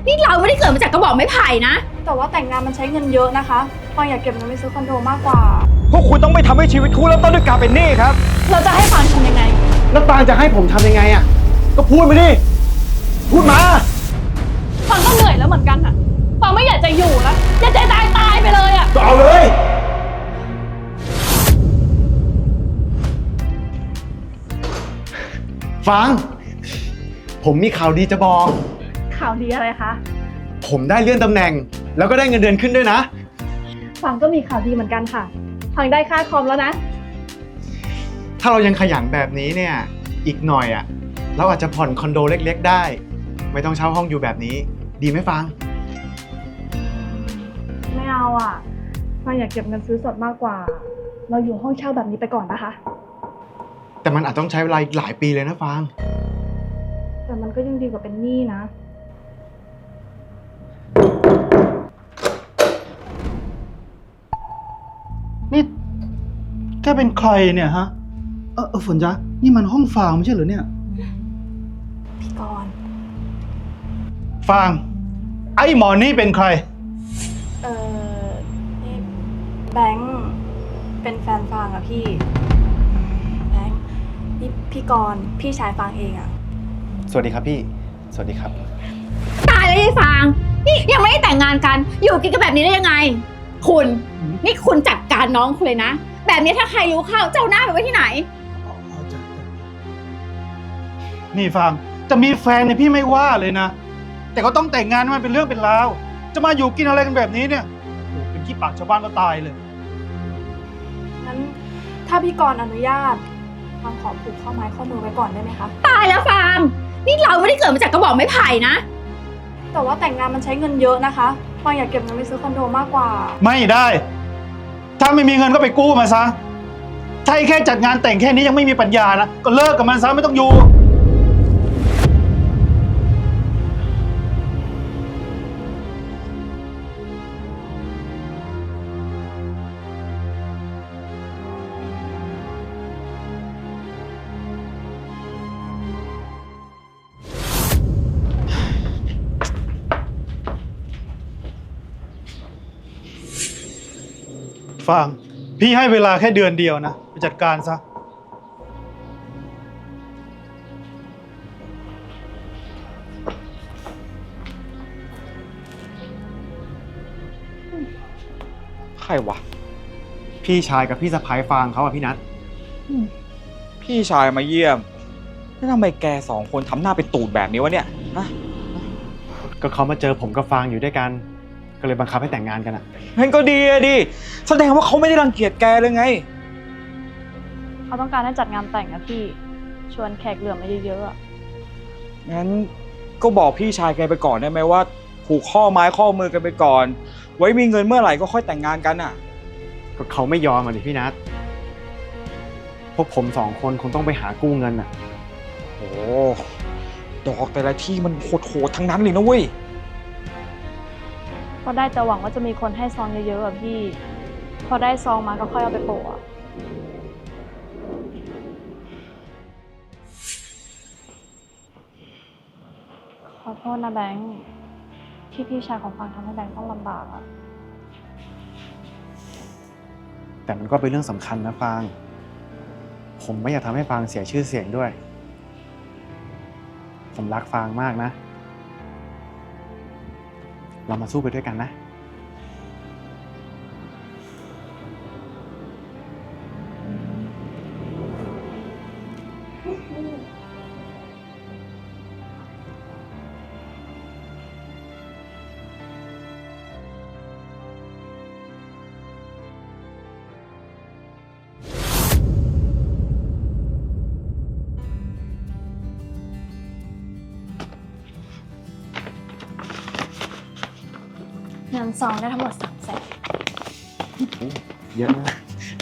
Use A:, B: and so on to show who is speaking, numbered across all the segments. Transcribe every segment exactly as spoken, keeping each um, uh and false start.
A: นี่เราไม่ได้เกิดมาจากกระบอกไม้ไผ่นะ
B: แต่ว่าแต่งงานมันใช้เงินเยอะนะคะฟางอยากเก็บเงินไปซื้อคอนโดมากกว่า
C: พวกคุณต้องไม่ทำให้ชีวิตคู่เริ่มต้นด้วยการเป็นหนี้ครับ
B: เราจะให้ฟางทำยังไง
C: แล้วฟางจะให้ผมทำยังไงอ่ะก็พูดมาดิพูดมา
B: ฟางก็เหนื่อยแล้วเหมือนกันอะฟางไม่อยากจะอยู่แล้วอยากจะตายตายไปเลยอะ
C: ก็เอาเลยฟางผมมีข่าวดีจะบอก
B: ข่าวดีอะไรคะ
C: ผมได้เลื่อนตำแหน่งแล้วก็ได้เงินเดือนขึ้นด้วยนะ
B: ฟางก็มีข่าวดีเหมือนกันค่ะฟางได้ค่าคอมแล้วนะ
C: ถ้าเรายังขยันแบบนี้เนี่ยอีกหน่อยอ่ะเราอาจจะผ่อนคอนโดเล็กๆได้ไม่ต้องเช่าห้องอยู่แบบนี้ดีไหมฟาง
B: ไม่เอาอ่ะฟางอยากเก็บเงินซื้อสดมากกว่าเราอยู่ห้องเช่าแบบนี้ไปก่อนนะคะ
C: แต่มันอาจต้องใช้เวลาอีกหลายปีเลยนะฟาง
B: แต่มันก็ยังดีกว่าเป็นหนี้นะ
D: นี่แกเป็นใครเนี่ยฮะเออเออฝนจ๊ะนี่มันห้องฟางไม่ใช่เหรอเนี่ย
B: พี่กรณ์
D: ฟางไอ้หมอนี่เป็นใคร
B: เออนี่แบงค์เป็นแฟนฟางอะพี่แบงค์นี่พี่กรณ์พี่ชายฟางเองอะ
C: สวัสดีครับพี่สวัสดีครับ
A: ตายแล้วยายฟางนี่ยังไม่ได้แต่งงานกันอยู่กินกันแบบนี้ได้ยังไงคุณนี่คุณจัดการน้องคุณเลยนะแบบนี้ถ้าใครรู้เข้าเจ้าหน้าไปไว้ที่ไหน
D: นี่ฟางจะมีแฟนเนี่ยพี่ไม่ว่าเลยนะแต่ก็ต้องแต่งงานมันเป็นเรื่องเป็นราวจะมาอยู่กินอะไรกันแบบนี้เนี่ยโอ้เป็นขี้ปากชาวบ้านก็ตายเลย
B: งั้นถ้าพี่กรณ์อนุญาตฟางขอผูกข้อไม้ข้อมือไว้ก่อนได้ไหมคะ
A: ตายแล้วฟางนี่เราไม่ได้เกิดมาจากกระบอกไม้ไผ่นะ
B: แต่ว่าแต่งงานมันใช้เงินเยอะนะคะฟางอยากเก็บเงินไปซื้อคอนโดมากกว่า
D: ไม่ได้ถ้าไม่มีเงินก็ไปกู้มาซะถ้าแค่จัดงานแต่งแค่นี้ยังไม่มีปัญญานะก็เลิกกับมันซะไม่ต้องอยู่ฟางพี่ให้เวลาแค่เดือนเดียวนะไปจัดการซะ
C: ใครวะพี่ชายกับพี่สะพ้ายฟางเขาอะพี่นัท
E: พี่ชายมาเยี่ยมแล้วทำไมแกสองคนทำหน้าเป็นตูดแบบนี้วะเนี่ยฮะ
C: ก็เขามาเจอผมกับฟางอยู่ด้วยกันก็เลยบังคับให้แต่งงานกันอะ
E: งั้นก็ดีอะดิแสดงว่าเขาไม่ได้รังเกียจแกเลยไง
B: เขาต้องการให้จัดงานแต่งนะพี่ชวนแขกเหลือมาเยอะๆอะ
E: งั้นก็บอกพี่ชายแกไปก่อนได้ไหมว่าผูกข้อไม้ข้อมือกันไปก่อนไว้มีเงินเมื่อไหร่ก็ค่อยแต่งงานกันอะ
C: ก็เขาไม่ยอมอ่ะดิพี่นัทพวกผมสองคนคงต้องไปหากู้เงินอะ
E: โอ้ดอกแต่ละที่มันโหดๆทั้งนั้นเลยนะเว้ย
B: ก็ได้แต่หวังว่าจะมีคนให้ซองเยอะๆอะพี่พอได้ซองมาก็ค่อยเอาไปโปะขอโทษนะแบงค์ที่พี่ชายของฟางทำให้แบงค์ต้องลำบากอะ
C: แต่มันก็เป็นเรื่องสำคัญนะฟางผมไม่อยากทำให้ฟางเสียชื่อเสียงด้วยผมรักฟางมากนะเรามาสู้ไปด้วยกันนะ
B: เงินซองได้ทั้งหมดสามแสน
C: เยอะมาก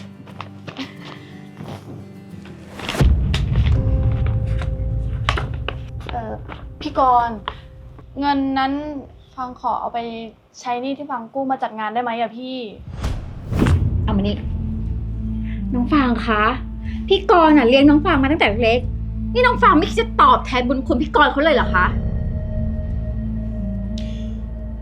B: เออพี่กรณ์เงินนั้นฟังขอเอาไปใช้หนี้ที่ฟังกู้มาจัดงานได้ไหมอะพี่
A: เอามานี่น้องฟางคะพี่กรณ์อะเลี้ยงน้องฟางมาตั้งแต่เล็กนี่น้องฟางไม่คิดจะตอบแทนบุญคุณพี่กรณ์เขาเลยเหรอคะ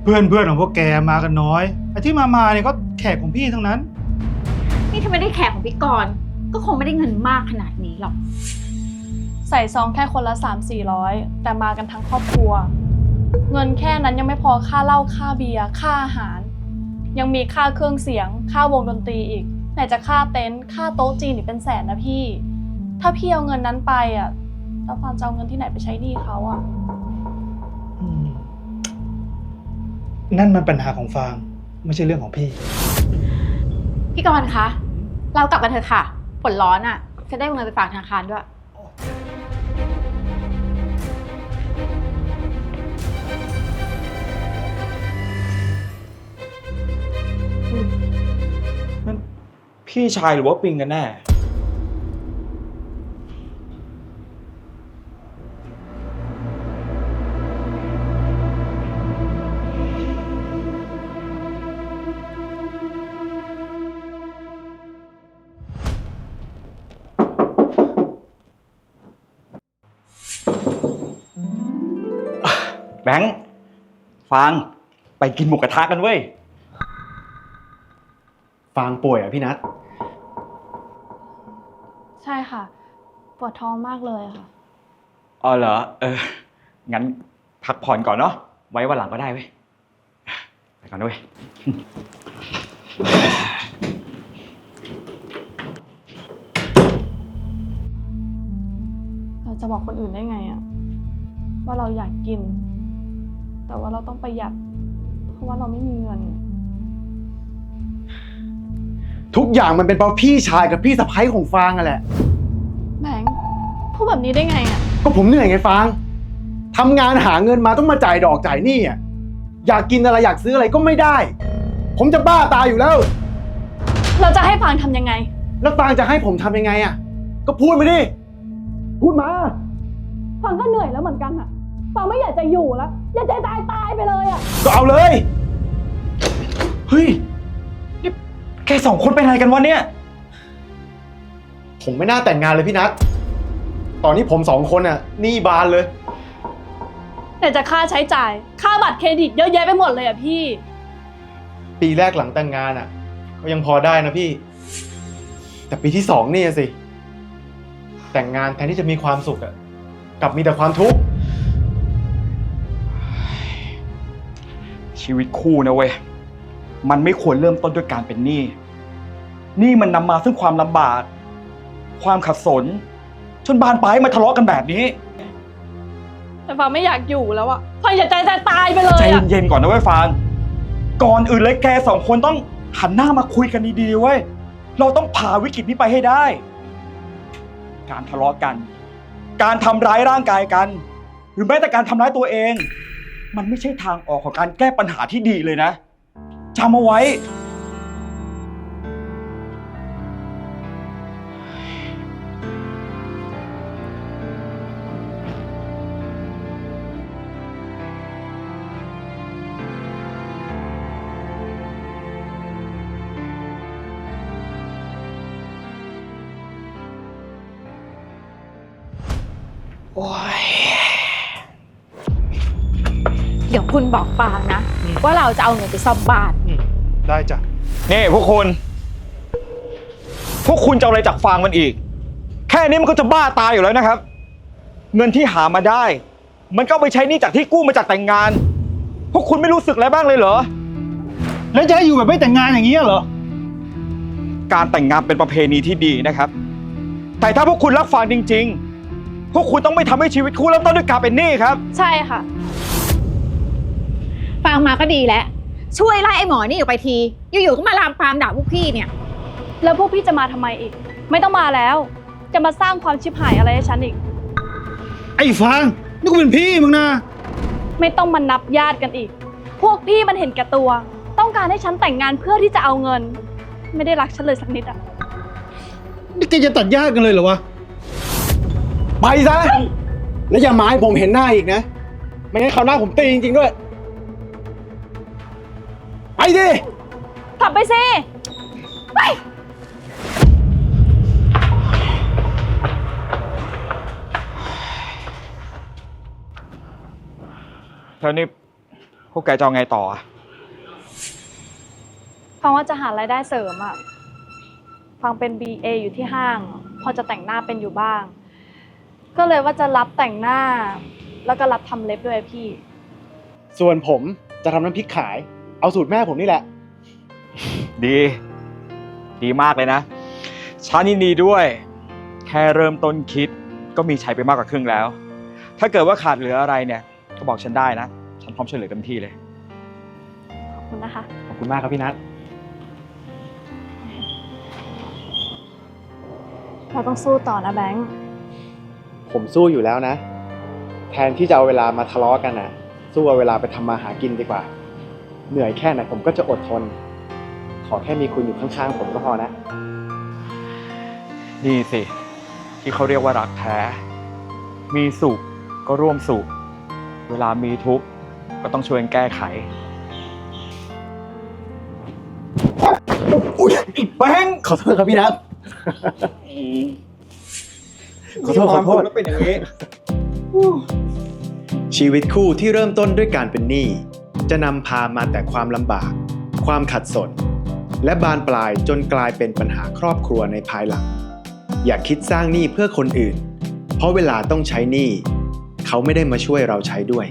D: เพื่อนเพื่อนของพวกแกมากันน้อยไอ้ที่มามาเนี่ยก็แขกของพี่ทั้งนั้น
A: นี่ถ้าไม่ได้แขกของพี่กรณ์ก็คงไม่ได้เงินมากขนาดนี้หรอก
B: ใส่ซองแค่คนละสามสี่ร้อยแต่มากันทั้งครอบครัว เงินแค่นั้นยังไม่พอค่าเหล้าค่าเบียร์ค่าอาหาร ยังมีค่าเครื่องเสียงค่าวงดนตรีอีกไหนจะค่าเต็นท์ค่าโต๊ะจีนอีกเป็นแสนนะพี่ ถ้าพี่เอาเงินนั้นไปอ่ะแล้วฟางจะเอาเงินที่ไหนไปใช้หนี้เขาอ่ะ
D: อืมนั่นมันปัญหาของฟางไม่ใช่เรื่องของพี่
A: พี่กรณ์คะ เรากลับกันเถอะค่ะ ฝนร้อนอ่ะ จะได้เอาเงินไปฝากธนาคารด้วย
E: นั่นพี่ชายหรือว่าปิงกันแน่ แบงค์ฟางไปกินหมูกระทะกันเว้ย
C: ฟางป่วยอ่ะพี่นัท
B: ใช่ค่ะ ปวดท้องมากเลยค่ะ
E: อ๋อเหรอ เออ งั้นพักผ่อนก่อนเนาะ ไว้วันหลังก็ได้เว้ย ไปก่อนด้วย
B: เราจะบอกคนอื่นได้ไงอะว่าเราอยากกิน แต่ว่าเราต้องประหยัด เพราะว่าเราไม่มีเงิน
C: ทุกอย่างมันเป็นเพราะพี่ชายกับพี่สะใภ้ของฟางอ่ะแหละ
B: แบงค์พูดแบบนี้ได้ไงอะ
C: ก็ผมเหนื่อยไงฟางทำงานหาเงินมาต้องมาจ่ายดอกจ่ายหนี้อ่ะอยากกินอะไรอยากซื้ออะไรก็ไม่ได้ ผมจะบ้าตายอยู่แล้ว
B: เราจะให้ฟางทำยังไง
C: แล้วฟางจะให้ผมทำยังไงอ่ะก็พูดมาดิพูดมา
B: ฟางก็เหนื่อยแล้วเหมือนกันอะฟางไม่อยากจะอยู่แล้ว อยากจะตายตายไปเลยอะ
C: ก็เอาเลยเฮ้ย
E: แกสองคนเป็นอะไรกันวะเนี่ย
C: ผมไม่น่าแต่งงานเลยพี่นัทตอนนี้ผมสองคนอ่ะหนี้บานเลย
B: แต่จะค่าใช้จ่าย ค่าบัตรเครดิตเยอะแยะไปหมดเลยอะพี่
C: ปีแรกหลังแต่งงานอ่ะก็ยังพอได้นะพี่ แต่ปีที่สองนี่สิ แต่งงานแทนที่จะมีความสุขอ่ะกลับมีแต่ความทุกข์
E: ชีวิตคู่นะเว้ย มันไม่ควรเริ่มต้นด้วยการเป็นหนี้หนี้มันนำมาซึ่งความลำบาก ความขัดสน จนบานปลายมาทะเลาะกันแบบนี้
B: แต่ฟางไม่อยากอยู่แล้วอะฟางอยากใจจะตายไปเลย
E: ใจ
B: อะ
E: เย็นๆก่อนนะเว้ยฟาง ก่อนอื่นเลยแกสองคนต้องหันหน้ามาคุยกันดีๆเว้ย เราต้องผ่าวิกฤตนี้ไปให้ได้ การทะเลาะกัน การทำร้ายร่างกายกัน หรือแม้แต่การทำร้ายตัวเอง มันไม่ใช่ทางออกของการแก้ปัญหาที่ดีเลยนะจำเอาไว้ โอ้ย
A: เดี๋ยวคุณบอกฟางนะ
D: อืม
A: ว่าเราจะเอาเงินไปซ่อมบ้าน
D: อืมได้จ้ะ
E: นี่พวกคุณ พวกคุณจะเอาอะไรจากฟางมันอีก แค่นี้มันก็จะบ้าตายอยู่แล้วนะครับ เงินที่หามาได้ มันก็เอาไปใช้หนี้จากที่กู้มาจากแต่งงาน พวกคุณไม่รู้สึกอะไรบ้างเลยเหรอ
D: แล้วจะให้อยู่แบบไม่แต่งงานอย่างนี้เหรอ
E: การแต่งงานเป็นประเพณีที่ดีนะครับ แต่ถ้าพวกคุณรักฟางจริงๆ พวกคุณต้องไม่ทำให้ชีวิตคู่เริ่มต้นด้วยการเป็นหนี้ครับ
B: ใช่ค่ะ
A: ฟางมาก็ดีแล้ว ช่วยไล่ไอ้หมอนี่ออกไปที อยู่ๆก็มาลามปามด่าพวกพี่เนี่ย
B: แล้วพวกพี่จะมาทำไมอีก ไม่ต้องมาแล้ว จะมาสร้างความชิบหายอะไรให้ฉันอีก
D: ไอ้ฟางนี่กูเป็นพี่มึงนะ
B: ไม่ต้องมานับญาติกันอีก พวกพี่มันเห็นแก่ตัว ต้องการให้ฉันแต่งงานเพื่อที่จะเอาเงิน ไม่ได้รักฉันเลยสักนิดอะ
D: นี่แกจะตัดญาติกันเลยเหรอวะ
C: ไปซะแล้วอย่ามาให้ผมเห็นหน้าอีกนะ ไม่งั้นคราวหน้าผมตีจริงๆด้วย ไปดิ
B: กลับไปสิ ไป
E: แล้วนี่พวกแกจะเอาไงต่ออะ
B: ฟังว่าจะหารายได้เสริมอะฟังเป็น บี เอ อยู่ที่ห้าง พอจะแต่งหน้าเป็นอยู่บ้าง ก็เลยว่าจะรับแต่งหน้า แล้วก็รับทำเล็บด้วยพี่
C: ส่วนผมจะทำน้ำพริกขาย เอาสูตรแม่ผมนี่แหละ
E: ดี ดีมากเลยนะฉันยินดีด้วย แค่เริ่มต้นคิดก็มีใช้ไปมากกว่าครึ่งแล้ว ถ้าเกิดว่าขาดเหลืออะไรเนี่ย ก็บอกฉันได้นะ ฉันพร้อมช่วยเหลือเต็มที่เลย
B: ขอบคุณนะคะ
C: ขอบคุณมากครับพี่นัท
B: เราต้องสู้ต่อนะแบงค์
C: ผมสู้อยู่แล้วนะ แทนที่จะเอาเวลามาทะเลาะกันนะสู้เอาเวลาไปทำมาหากินดีกว่า เหนื่อยแค่ไหนผมก็จะอดทน ขอแค่มีคุณอยู่ข้างๆผมก็พอนะ
E: นี่สิ ที่เขาเรียกว่ารักแท้ มีสุขก็ร่วมสุข เวลามีทุกข์ก็ต้องช่วยกันแก้ไข อุ๊ยอีกแบงค์
C: ขอโทษครับพี่นัท ขอโทษขอโทษ
E: แล้วเป็นอย่างนี้
C: ชีวิตคู่ที่เริ่มต้นด้วยการเป็นหนี้จะนำพามาแต่ความลำบาก ความขัดสน และบานปลายจนกลายเป็นปัญหาครอบครัวในภายหลัง อย่าคิดสร้างหนี้เพื่อคนอื่น เพราะเวลาต้องใช้หนี้เขาไม่ได้มาช่วยเราใช้ด้วย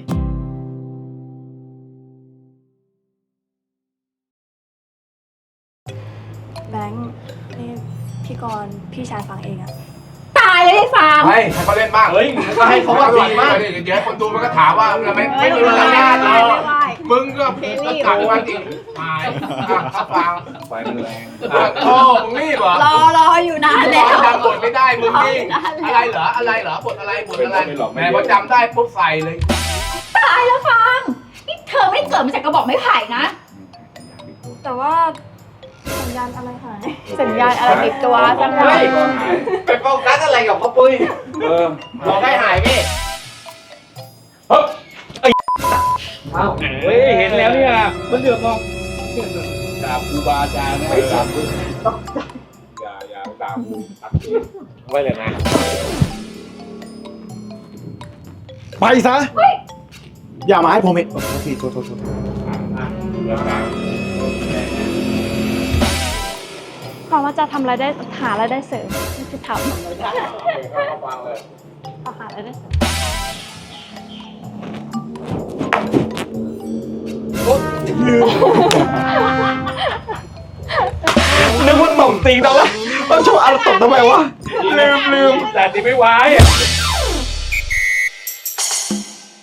B: แบงค์นี่พี่กรณ์พี่ชายฟังเองอะ
A: ตายเลยยายฟาง
F: ให้ให้เขาเล่นบ้างเฮ้ยก็ให้เขาว่าดีมากเดี๋ยวคนดูมันก็ถามว่าทำไมไม่มีมารยาทเลยมึงก็ตัดมาดิตายเขาฟังไฟมันแรงโอ้มึงรีบเหรอ
A: รอรออยู่นานแล้ว
F: จำบทไม่ได้มึงนี่อะไรเหรออะไรเหรอบทอะไรบทอะไรแม่พอจำได้ปุ๊บใส่เลย
A: ตายแล้วฟางนี่เธอไม่ได้เกิดมาจากกระบอกไม้ไผ่นะ
B: แต่ว่าสัญญาณอะไรหาย สัญญาณอะไรติดตัวสักหน่อย
F: ไปโฟกัสอะไรกับพ่อปุ้ยเออบอกได้หายพี่เฮ้ยอ้าวเฮ้ยเห็นแล้วเนี่ยมันเดือดมองด่าครูบาอาจารย์นะไม่ด่าครูอย่าอย่าด่าครูตัดไว้เลยนะ
C: ไปซะ อย่ามาให้ผมเห็นพี่โทษโทษโทษ
B: ฟังว่าจะทำรายได้หารายได้เสริมไม่คือทำเอาหารายได้เสริม
E: นึกว่าตบตีงแล้ววะต้องโชว์อะไรตบทำไมวะ ลืมลืม
F: แต่ที่ไม่ไหว